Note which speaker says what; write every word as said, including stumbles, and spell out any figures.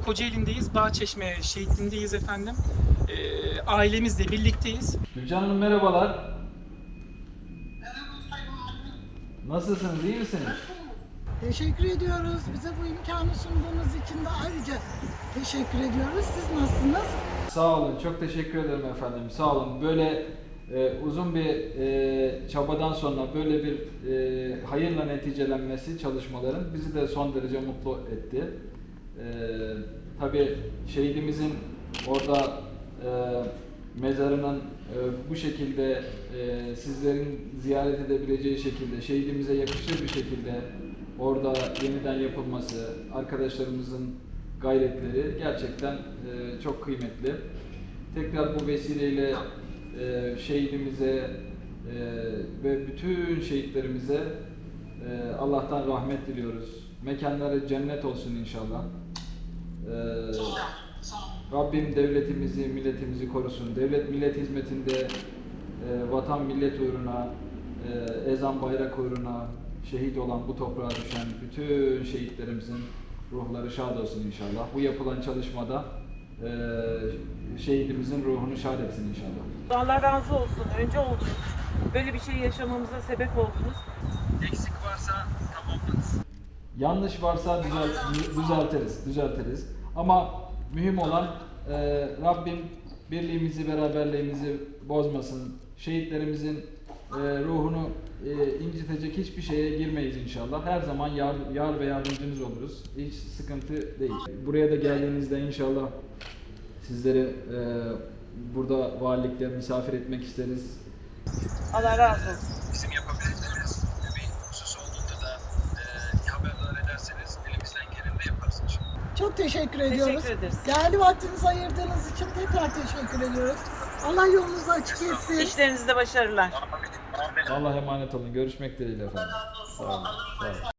Speaker 1: Kocaeli'ndeyiz. Bağçeşme şehitliğindeyiz efendim. Ee, ailemizle birlikteyiz.
Speaker 2: Gülcan Hanım merhabalar. Nasılsınız, iyi misiniz?
Speaker 3: Teşekkür ediyoruz. Bize bu imkanı sunduğunuz için de ayrıca teşekkür ediyoruz. Siz nasılsınız?
Speaker 2: Sağ olun, çok teşekkür ederim efendim. Sağ olun. Böyle e, uzun bir e, çabadan sonra böyle bir e, hayırla neticelenmesi çalışmaların bizi de son derece mutlu etti. E, tabii şehidimizin orada e, mezarının e, bu şekilde e, sizlerin ziyaret edebileceği şekilde, şehidimize yakışır bir şekilde orada yeniden yapılması, arkadaşlarımızın gayretleri gerçekten e, çok kıymetli. Tekrar bu vesileyle e, şehidimize e, ve bütün şehitlerimize e, Allah'tan rahmet diliyoruz. Mekanları cennet olsun inşallah. E, Rabbim devletimizi, milletimizi korusun. Devlet millet hizmetinde e, vatan millet uğruna, e, ezan bayrak uğruna şehit olan, bu toprağa düşen bütün şehitlerimizin ruhları şad olsun inşallah. Bu yapılan çalışmada e, şehidimizin ruhunu şad etsin inşallah.
Speaker 4: Allah razı olsun. Önce oldunuz. Böyle bir şey yaşamamıza sebep oldunuz.
Speaker 5: Eksik varsa tamamlarız.
Speaker 2: Yanlış varsa düzelt, düzeltiriz, düzeltiriz. Ama mühim olan e, Rabbim birliğimizi, beraberliğimizi bozmasın. Şehitlerimizin e, ruhunu e, incitecek hiçbir şeye girmeyiz inşallah. Her zaman yar, yar ve yardımcınız oluruz. Hiç sıkıntı değil. Buraya da geldiğinizde inşallah sizleri e, burada valilikte misafir etmek isteriz.
Speaker 4: Allah razı olsun.
Speaker 5: Bizim yapabileceğimiz bir husus olduğunda da e, haberdar ederseniz elimizden geleni de yaparız inşallah.
Speaker 3: Çok teşekkür ediyoruz.
Speaker 4: Teşekkür ederiz.
Speaker 3: Değerli vaktinizi ayırdığınız için tekrar teşekkür ediyoruz. Allah yolunuzu açık etsin.
Speaker 4: İşlerinizde başarılar.
Speaker 5: Amin. Amin.
Speaker 2: Allah'a emanet olun. Görüşmek dileğiyle efendim. Sağ olun. Sağ olun.